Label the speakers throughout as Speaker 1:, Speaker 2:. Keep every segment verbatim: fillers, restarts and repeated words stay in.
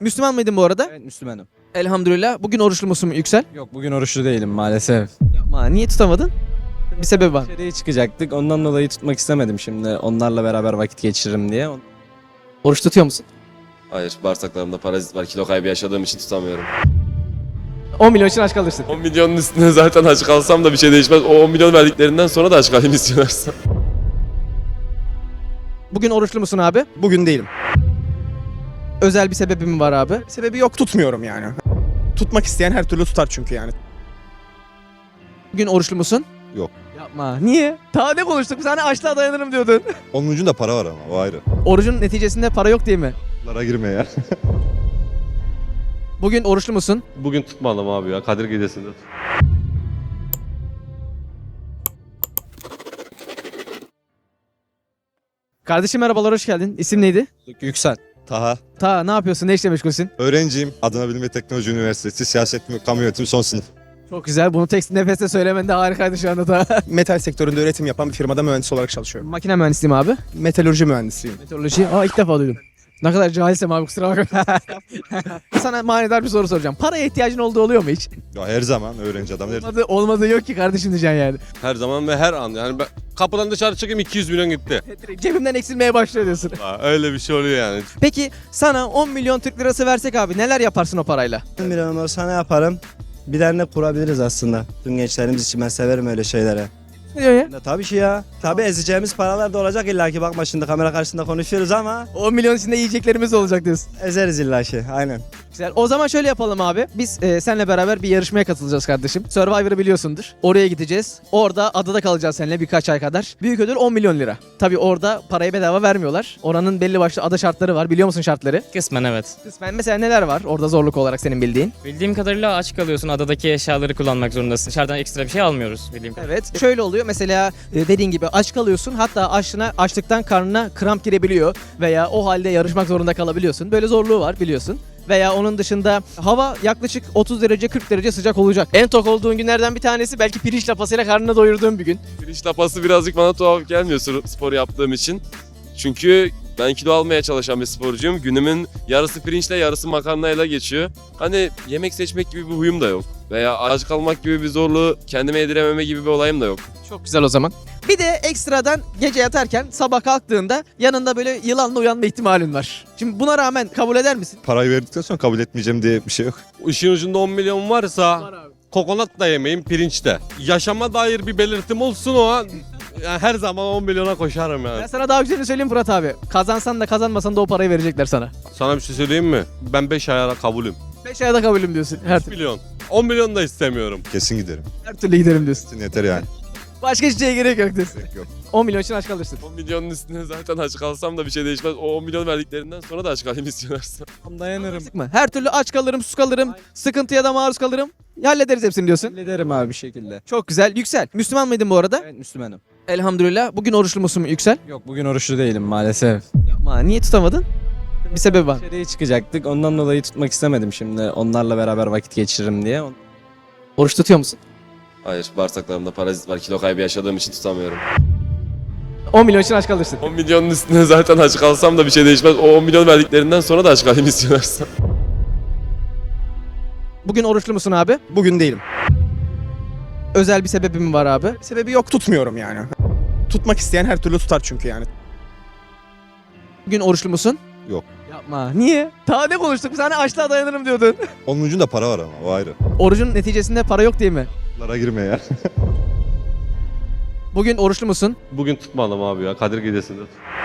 Speaker 1: Müslüman mıydın bu arada?
Speaker 2: Evet, Müslümanım.
Speaker 1: Elhamdülillah. Bugün oruçlu musun Yüksel?
Speaker 2: Yok, bugün oruçlu değilim maalesef.
Speaker 1: Yapma. Niye tutamadın? Bir sebebi var.
Speaker 2: Dışarıya çıkacaktık, ondan dolayı tutmak istemedim şimdi. Onlarla beraber vakit geçiririm diye.
Speaker 1: Oruç tutuyor musun?
Speaker 3: Hayır, bağırsaklarımda parazit var. Kilo kaybı yaşadığım için tutamıyorum.
Speaker 1: on milyon için aç kalırsın.
Speaker 3: on milyonun üstüne zaten aç kalsam da bir şey değişmez. O on milyon verdiklerinden sonra da aç kalayım istiyorlarsa.
Speaker 1: Bugün oruçlu musun abi?
Speaker 4: Bugün değilim.
Speaker 1: Özel bir sebebi mi var abi?
Speaker 4: Sebebi yok, tutmuyorum yani. Tutmak isteyen her türlü tutar çünkü yani.
Speaker 1: Bugün oruçlu musun?
Speaker 5: Yok.
Speaker 1: Yapma. Niye? Daha ne konuştuk? Bir tane açlığa dayanırım diyordun.
Speaker 5: Onun ucunda para var ama o ayrı.
Speaker 1: Orucun neticesinde para yok değil mi?
Speaker 5: Lara girme ya.
Speaker 1: Bugün oruçlu musun?
Speaker 6: Bugün tutmadım abi ya. Kadir Gecesi'nde.
Speaker 1: Kardeşim merhabalar, hoş geldin. İsim neydi?
Speaker 2: Yüksel.
Speaker 5: Taha.
Speaker 1: Ta ne yapıyorsun? Ne işle meşgulsün?
Speaker 5: Öğrenciyim. Adana Bilim ve Teknoloji Üniversitesi Siyaset ve Kamu Yönetimi son sınıf.
Speaker 1: Çok güzel. Bunu tek nefeste söylemen de harikaydı şu anda da.
Speaker 4: Metal sektöründe üretim yapan bir firmada mühendis olarak çalışıyorum.
Speaker 1: Makine mühendisiyim abi.
Speaker 4: Metalürji mühendisiyim.
Speaker 1: Meteoroloji. Aa ilk defa duydum. Ne kadar cahilsem abi, kusura bakma. Sana manidar bir soru soracağım. Paraya ihtiyacın olduğu oluyor mu hiç?
Speaker 5: Ya her zaman öğrenci adam. Her...
Speaker 1: Olmadı, olmadı yok ki kardeşim diyeceksin yani.
Speaker 6: Her zaman ve her an. Yani ben kapıdan dışarı çıkayım iki yüz milyon gitti.
Speaker 1: Cebimden eksilmeye başlıyor diyorsun.
Speaker 6: Ha, öyle bir şey oluyor yani.
Speaker 1: Peki sana on milyon Türk lirası versek abi neler yaparsın o parayla?
Speaker 7: on milyon olsa ne yaparım? Bir dernek kurabiliriz aslında. Tüm gençlerimiz için ben severim öyle şeylere.
Speaker 1: Ne diyor ya?
Speaker 7: Ya, tabii ki ya. Tabii ezeceğimiz paralar da olacak illaki. Bakma şimdi kamera karşısında konuşuyoruz ama
Speaker 1: on milyon içinde yiyeceklerimiz olacak diyorsun.
Speaker 7: ezeriz illaki. Aynen.
Speaker 1: Güzel. O zaman şöyle yapalım abi. Biz e, seninle beraber bir yarışmaya katılacağız kardeşim. Survivor'ı biliyorsundur. Oraya gideceğiz. Orada adada kalacağız seninle birkaç ay kadar. Büyük ödül on milyon lira. Tabii orada parayı bedava vermiyorlar. Oranın belli başlı ada şartları var. Biliyor musun şartları?
Speaker 8: Kısmen evet.
Speaker 1: Kısmen mesela neler var orada zorluk olarak senin bildiğin?
Speaker 8: Bildiğim kadarıyla aç kalıyorsun. Adadaki eşyaları kullanmak zorundasın. Dışarıdan ekstra bir şey almıyoruz bildiğim kadarıyla.
Speaker 1: Evet. Şöyle oluyor mesela e, dediğin gibi aç kalıyorsun. Hatta açlığına, açlıktan karnına kramp girebiliyor. Veya o halde yarışmak zorunda kalabiliyorsun. Böyle zorluğu var biliyorsun. Veya onun dışında hava yaklaşık otuz derece kırk derece sıcak olacak. En tok olduğun günlerden bir tanesi belki pirinç lapasıyla karnını doyurduğun bir gün.
Speaker 3: Pirinç lapası birazcık bana tuhaf gelmiyor spor yaptığım için. Çünkü ben kilo almaya çalışan bir sporcuyum. Günümün yarısı pirinçle yarısı makarnayla geçiyor. Hani yemek seçmek gibi bir huyum da yok. Veya aç kalmak gibi bir zorluğu kendime yedirememe gibi bir olayım da yok.
Speaker 1: Çok güzel o zaman. Bir de ekstradan gece yatarken sabah kalktığında yanında böyle yılanla uyanma ihtimalin var. Şimdi buna rağmen kabul eder misin?
Speaker 5: Parayı verdikten sonra kabul etmeyeceğim diye bir şey yok.
Speaker 6: İşin ucunda on milyon varsa kokonat da yemeyeyim, pirinç de. Yaşama dair bir belirtim olsun o an. Yani her zaman on milyona koşarım yani.
Speaker 1: Ben sana daha güzelini söyleyeyim Fırat abi. Kazansan da kazanmasan da o parayı verecekler sana.
Speaker 6: Sana bir şey söyleyeyim mi? Ben beş ayara kabulüm.
Speaker 1: beş ayda kabulüm diyorsun. Her,
Speaker 6: üç milyon. on milyon da istemiyorum.
Speaker 5: Kesin giderim.
Speaker 1: her türlü giderim diyorsun.
Speaker 5: Kesin yeter yani.
Speaker 1: Başka hiçbir şeye gerek yok diyorsun.
Speaker 5: Gerek yok.
Speaker 1: on milyon için aç kalırsın.
Speaker 3: on milyonun üstüne zaten aç kalsam da bir şey değişmez. O on milyon verdiklerinden sonra da aç kalayım istiyorlarsa.
Speaker 4: Dayanırım.
Speaker 1: Sıkma. Her türlü aç kalırım, sus kalırım, sıkıntıya da maruz kalırım. Hallederiz hepsini diyorsun.
Speaker 2: Hallederim abi bir şekilde.
Speaker 1: Çok güzel. Yüksel. Müslüman mıydın bu arada?
Speaker 2: Evet, Müslümanım.
Speaker 1: Elhamdülillah. Bugün oruçlu musun Yüksel?
Speaker 2: Yok, bugün oruçlu değilim maalesef.
Speaker 1: Yapma. Niye tutamadın? Bir sebebi var.
Speaker 2: Dışarıya çıkacaktık, ondan dolayı tutmak istemedim şimdi. Onlarla beraber vakit geçiririm diye.
Speaker 1: Oruç tutuyor musun?
Speaker 3: Hayır, bağırsaklarımda parazit var. Kilo kaybı yaşadığım için tutamıyorum.
Speaker 1: on milyon için aç kalırsın.
Speaker 3: on milyonun üstüne zaten aç kalsam da bir şey değişmez. O on milyon verdiklerinden sonra da aç kalayım istiyorlarsa.
Speaker 1: Bugün oruçlu musun abi?
Speaker 4: Bugün değilim.
Speaker 1: Özel bir sebebi mi var abi?
Speaker 4: Sebebi yok, tutmuyorum yani. Tutmak isteyen her türlü tutar çünkü yani.
Speaker 1: Bugün oruçlu musun?
Speaker 5: Yok.
Speaker 1: Yapma. Niye? Daha ne konuştuk? Sana açlığa dayanırım diyordun.
Speaker 5: Onun ucunda para var ama o ayrı.
Speaker 1: Orucun neticesinde para yok değil mi?
Speaker 5: Lara girme ya.
Speaker 1: Bugün oruçlu musun?
Speaker 6: Bugün tutmadım abi ya. Kadir Gecesi'nde.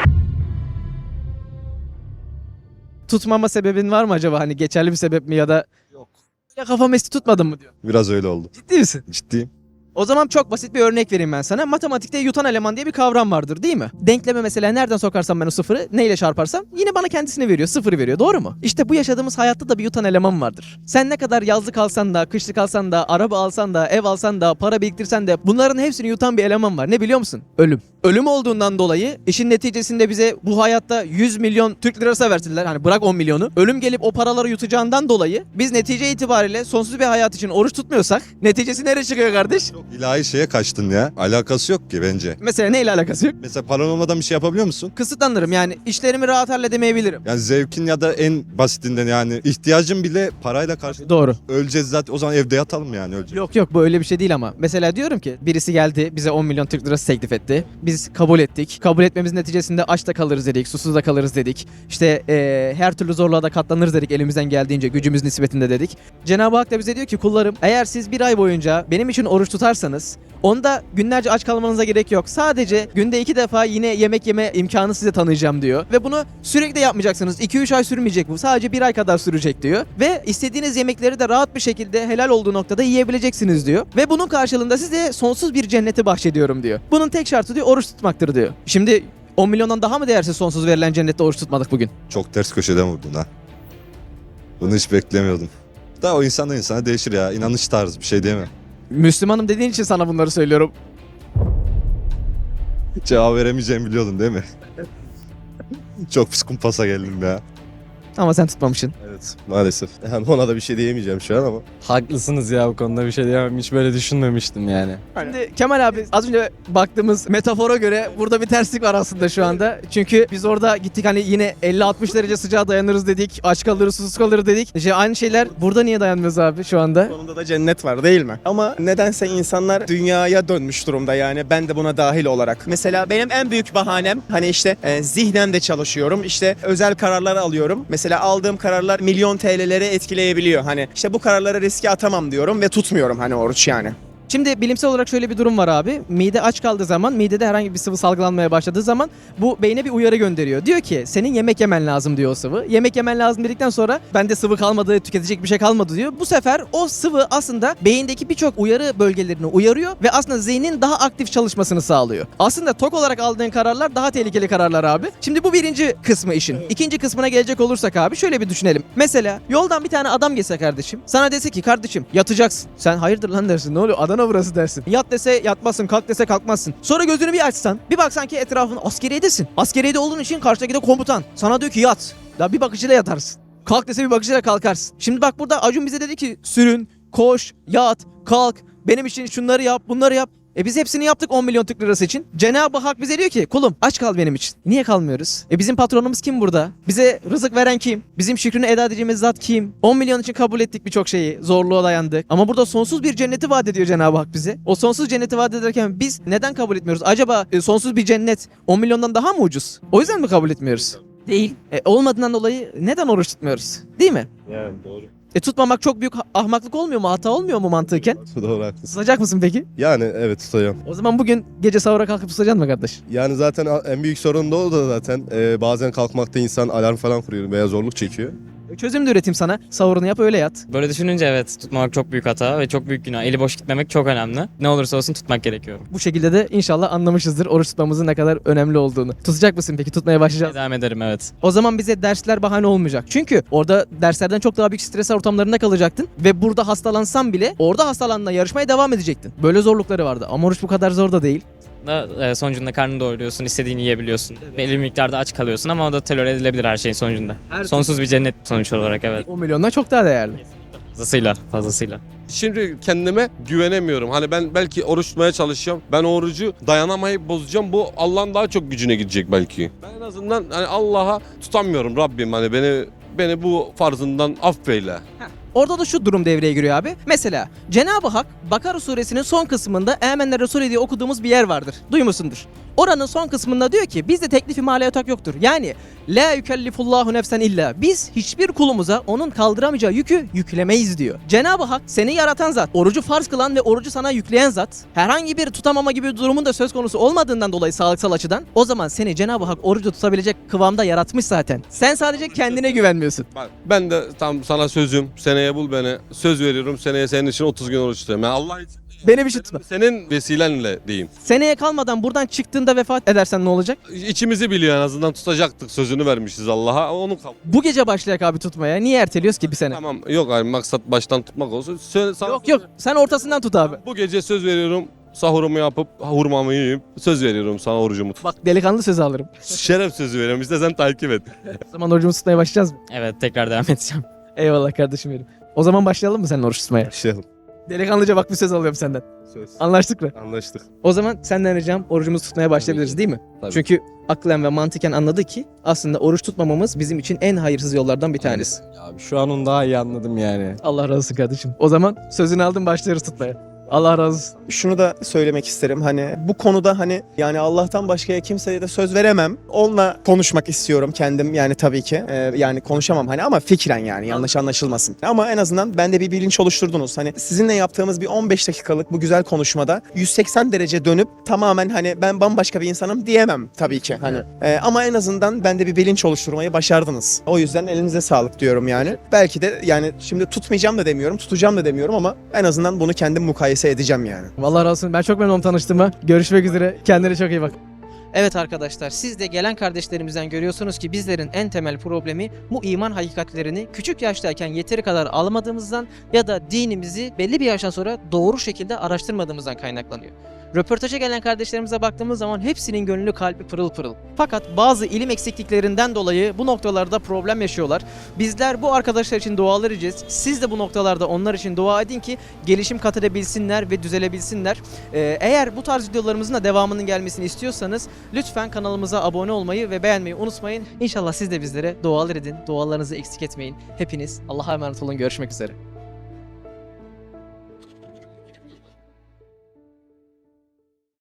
Speaker 1: Tutmama sebebin var mı acaba? Hani geçerli bir sebep mi ya da...
Speaker 5: Yok.
Speaker 1: Ya kafam esti tutmadın mı diyor.
Speaker 5: Biraz öyle oldu.
Speaker 1: Ciddi misin?
Speaker 5: Ciddiyim.
Speaker 1: O zaman çok basit bir örnek vereyim ben sana. Matematikte yutan eleman diye bir kavram vardır değil mi? Denkleme mesela nereden sokarsam ben o sıfırı neyle çarparsam yine bana kendisini veriyor. Sıfırı veriyor, doğru mu? İşte bu yaşadığımız hayatta da bir yutan eleman vardır. Sen ne kadar yazlık alsan da, kışlık alsan da, araba alsan da, ev alsan da, para biriktirsen de bunların hepsini yutan bir eleman var. Ne biliyor musun? Ölüm. Ölüm olduğundan dolayı işin neticesinde bize bu hayatta yüz milyon Türk lirası versinler. Hani bırak on milyonu. Ölüm gelip o paraları yutacağından dolayı biz netice itibariyle sonsuz bir hayat için oruç tutmuyorsak neticesi nereye çıkıyor kardeş?
Speaker 5: İlahi şeye kaçtın ya. Alakası yok ki bence.
Speaker 1: Mesela neyle alakası yok?
Speaker 5: Mesela paran olmadan bir şey yapabiliyor musun?
Speaker 1: Kısıtlanırım yani işlerimi rahat halledemeyebilirim.
Speaker 5: Yani zevkin ya da en basitinden yani ihtiyacın bile parayla karşı
Speaker 1: Doğru.
Speaker 5: öleceğiz zaten. O zaman evde yatalım yani öleceğiz.
Speaker 1: Yok yok bu öyle bir şey değil ama. Mesela diyorum ki birisi geldi bize on milyon Türk lirası teklif etti. Biz kabul ettik. Kabul etmemizin neticesinde aç da kalırız dedik, susuz da kalırız dedik. İşte eee, her türlü zorluğa da katlanırız dedik elimizden geldiğince gücümüz nispetinde dedik. Cenab-ı Hak da bize diyor ki kullarım eğer siz bir ay boyunca benim için oruç tutarsanız onda günlerce aç kalmanıza gerek yok. Sadece günde iki defa yine yemek yeme imkanı size tanıyacağım diyor. Ve bunu sürekli yapmayacaksınız. iki üç ay sürmeyecek bu. Sadece bir ay kadar sürecek diyor. Ve istediğiniz yemekleri de rahat bir şekilde helal olduğu noktada yiyebileceksiniz diyor. Ve bunun karşılığında size sonsuz bir cenneti bahşediyorum diyor. Bunun tek şartı diyor oruç tutmaktır diyor. Şimdi on milyondan daha mı değersiz sonsuz verilen cennette oruç tutmadık bugün?
Speaker 5: Çok ters köşeden vurdun ha. Bunu hiç beklemiyordum. Da o insandan insana değişir ya. İnanış tarzı bir şey değil mi?
Speaker 1: Müslümanım dediğin için sana bunları söylüyorum.
Speaker 5: Cevap veremeyeceğimi biliyordun değil mi? Çok pis kumpasa geldim ya.
Speaker 1: Ama sen tutmamışsın.
Speaker 9: Evet maalesef. Yani ona da bir şey diyemeyeceğim şu an ama.
Speaker 2: Haklısınız ya bu konuda bir şey diyemem. Hiç böyle düşünmemiştim yani.
Speaker 1: Şimdi Kemal abi az önce baktığımız metafora göre burada bir terslik var aslında şu anda. Çünkü biz orada gittik hani yine elli altmış derece sıcağa dayanırız dedik. Aç kalırız, susuz kalırız dedik. İşte aynı şeyler burada niye dayanmıyoruz abi şu anda?
Speaker 4: Sonunda da cennet var değil mi? Ama nedense insanlar dünyaya dönmüş durumda yani ben de buna dahil olarak. Mesela benim en büyük bahanem hani işte e, zihnen de çalışıyorum. İşte özel kararlar alıyorum. Mesela aldığım kararlar milyon T L'lere etkileyebiliyor. Hani işte bu kararları riske atamam diyorum ve tutmuyorum hani oruç yani.
Speaker 1: Şimdi bilimsel olarak şöyle bir durum var abi. Mide aç kaldığı zaman, midede herhangi bir sıvı salgılanmaya başladığı zaman bu beyne bir uyarı gönderiyor. Diyor ki senin yemek yemen lazım diyor o sıvı. Yemek yemen lazım dedikten sonra bende sıvı kalmadı, tüketecek bir şey kalmadı diyor. Bu sefer o sıvı aslında beyindeki birçok uyarı bölgelerini uyarıyor ve aslında zihnin daha aktif çalışmasını sağlıyor. Aslında tok olarak aldığın kararlar daha tehlikeli kararlar abi. Şimdi bu birinci kısmı işin. İkinci kısmına gelecek olursak abi şöyle bir düşünelim. Mesela yoldan bir tane adam geçse kardeşim. Sana dese ki kardeşim yatacaksın. Sen hayırdır lan dersin. Ne oluyor? Adana burası dersin. Yat dese yatmazsın, kalk dese kalkmazsın. Sonra gözünü bir açsan, bir baksan ki etrafın askeriyedesin. Askeriyede olduğun için karşıdaki de komutan. Sana diyor ki yat. Daha bir bakışıyla yatarsın. Kalk dese bir bakışıyla kalkarsın. Şimdi bak burada Acun bize dedi ki sürün, koş, yat, kalk. Benim için şunları yap, bunları yap. E biz hepsini yaptık on milyon Türk lirası için. Cenab-ı Hak bize diyor ki kulum aç kal benim için. Niye kalmıyoruz? E bizim patronumuz kim burada? Bize rızık veren kim? Bizim şükrünü eda edeceğimiz zat kim? on milyon için kabul ettik birçok şeyi. Zorluğa dayandık. Ama burada sonsuz bir cenneti vaat ediyor Cenab-ı Hak bize. O sonsuz cenneti vaat ederken biz neden kabul etmiyoruz? Acaba e, sonsuz bir cennet on milyondan daha mı ucuz? O yüzden mi kabul etmiyoruz? Değil. E, olmadığından dolayı neden oruç tutmuyoruz? Değil mi?
Speaker 9: Yani doğru.
Speaker 1: E tutmamak çok büyük ha- ahmaklık olmuyor mu? Hata olmuyor mu mantıken?
Speaker 9: Doğru haklısın.
Speaker 1: Tutacak mısın peki?
Speaker 9: Yani evet tutacağım.
Speaker 1: O zaman bugün gece sahura kalkıp tutacaksın mı kardeş?
Speaker 9: Yani zaten en büyük sorun da o da zaten. Ee, bazen kalkmakta insan alarm falan kuruyor veya zorluk çekiyor.
Speaker 1: Çözüm de üreteyim sana. Sahurunu yap öyle yat.
Speaker 8: Böyle düşününce evet tutmamak çok büyük hata ve çok büyük günah. Eli boş gitmemek çok önemli. Ne olursa olsun tutmak gerekiyor.
Speaker 1: Bu şekilde de inşallah anlamışızdır oruç tutmamızın ne kadar önemli olduğunu. Tutacak mısın peki? Tutmaya başlayacağız.
Speaker 8: Devam ederim evet.
Speaker 1: O zaman bize dersler bahane olmayacak. Çünkü orada derslerden çok daha büyük stres ortamlarında kalacaktın. Ve burada hastalansan bile orada hastalandığında yarışmaya devam edecektin. Böyle zorlukları vardı. Ama oruç bu kadar zor da değil.
Speaker 8: Da e, sonucunda karnını doyuruyorsun, istediğini yiyebiliyorsun. Belli bir miktarda aç kalıyorsun ama o da tolere edilebilir her şeyin sonucunda.
Speaker 1: Her
Speaker 8: Sonsuz bir cennet sonuç olarak evet.
Speaker 1: on milyondan çok daha değerli.
Speaker 8: Fazlasıyla, fazlasıyla.
Speaker 6: Şimdi kendime güvenemiyorum. Hani ben belki oruç tutmaya çalışacağım. Ben o orucu dayanamayıp bozacağım. Bu Allah'ın daha çok gücüne gidecek belki. Ben en azından hani Allah'a tutamıyorum Rabbim. Hani beni beni bu farzından affeyle.
Speaker 1: Orada da şu durum devreye giriyor abi. Mesela Cenab-ı Hak Bakara suresinin son kısmında Âmenne Resulü diye okuduğumuz bir yer vardır. Duymuşsundur. Oranın son kısmında diyor ki bizde teklifi mali yatak yoktur. Yani la yükellifullahu nefsen illa. Biz hiçbir kulumuza onun kaldıramayacağı yükü yüklemeyiz diyor. Cenab-ı Hak seni yaratan zat, orucu farz kılan ve orucu sana yükleyen zat, herhangi bir tutamama gibi bir durumun da söz konusu olmadığından dolayı sağlıksal açıdan o zaman seni Cenab-ı Hak orucu tutabilecek kıvamda yaratmış zaten. Sen sadece kendine güvenmiyorsun.
Speaker 6: Ben, ben de tam sana sözüm. Seneye bul beni. Söz veriyorum. Seneye senin için otuz gün oruç tutayım. Yani Allah için.
Speaker 1: Beni bir şey tutma.
Speaker 6: Senin vesilenle diyeyim.
Speaker 1: Seneye kalmadan buradan çıktığında vefat edersen ne olacak?
Speaker 6: İçimizi biliyor en azından tutacaktık. Sözünü vermişiz Allah'a. Onu kabul.
Speaker 1: Bu gece başlayak abi tutmaya. Niye erteliyoruz ki bir sene?
Speaker 6: Tamam yok abi maksat baştan tutmak olsun. Söyle, sana-
Speaker 1: Yok yok. Sen ortasından tut abi.
Speaker 6: Bu gece söz veriyorum. Sahurumu yapıp hurmamı yiyip söz veriyorum sana orucumu tut.
Speaker 1: Bak delikanlı sözü alırım.
Speaker 6: Şeref sözü veriyorum. İstersen takip et.
Speaker 1: O zaman orucumuzu tutmaya başlayacağız mı?
Speaker 8: Evet tekrar devam edeceğim.
Speaker 1: Eyvallah kardeşim benim. O zaman başlayalım mı senin oruç tutmaya?
Speaker 9: Başlayalım.
Speaker 1: Delikanlıca bak bir söz alıyorum senden.
Speaker 9: Söz.
Speaker 1: Anlaştık mı?
Speaker 9: Anlaştık.
Speaker 1: O zaman senden ricam orucumuzu tutmaya başlayabiliriz değil mi?
Speaker 2: Tabii.
Speaker 1: Çünkü aklen ve mantıken anladı ki aslında oruç tutmamamız bizim için en hayırsız yollardan bir tanesi.
Speaker 2: Abi şu an onu daha iyi anladım yani.
Speaker 1: Allah razı olsun kardeşim. O zaman sözünü aldım başlıyoruz tutmaya. Allah razı olsun.
Speaker 4: Şunu da söylemek isterim hani bu konuda hani yani Allah'tan başkaya kimseye de söz veremem. Onunla konuşmak istiyorum kendim yani tabii ki. Ee, yani konuşamam hani ama fikren yani yanlış anlaşılmasın. Ama en azından bende bir bilinç oluşturdunuz. Hani sizinle yaptığımız bir on beş dakikalık bu güzel konuşmada yüz seksen derece dönüp tamamen hani ben bambaşka bir insanım diyemem tabii ki hani. Ee, ama en azından bende bir bilinç oluşturmayı başardınız. O yüzden elinize sağlık diyorum yani. Belki de yani şimdi tutmayacağım da demiyorum, tutacağım da demiyorum ama en azından bunu kendim mukayese edeceğim yani.
Speaker 1: Vallahi razı olsun. Ben çok memnun oldum tanıştığıma. Görüşmek üzere. Kendine çok iyi bak. Evet arkadaşlar, siz de gelen kardeşlerimizden görüyorsunuz ki bizlerin en temel problemi bu iman hakikatlerini küçük yaştayken yeteri kadar almadığımızdan ya da dinimizi belli bir yaştan sonra doğru şekilde araştırmadığımızdan kaynaklanıyor. Röportaja gelen kardeşlerimize baktığımız zaman hepsinin gönlü kalbi pırıl pırıl. Fakat bazı ilim eksikliklerinden dolayı bu noktalarda problem yaşıyorlar. Bizler bu arkadaşlar için dualar edeceğiz. Siz de bu noktalarda onlar için dua edin ki gelişim kat edebilsinler ve düzelebilsinler. Ee, eğer bu tarz videolarımızın da devamının gelmesini istiyorsanız lütfen kanalımıza abone olmayı ve beğenmeyi unutmayın. İnşallah siz de bizlere dualar edin. Dualarınızı eksik etmeyin. Hepiniz Allah'a emanet olun. Görüşmek üzere.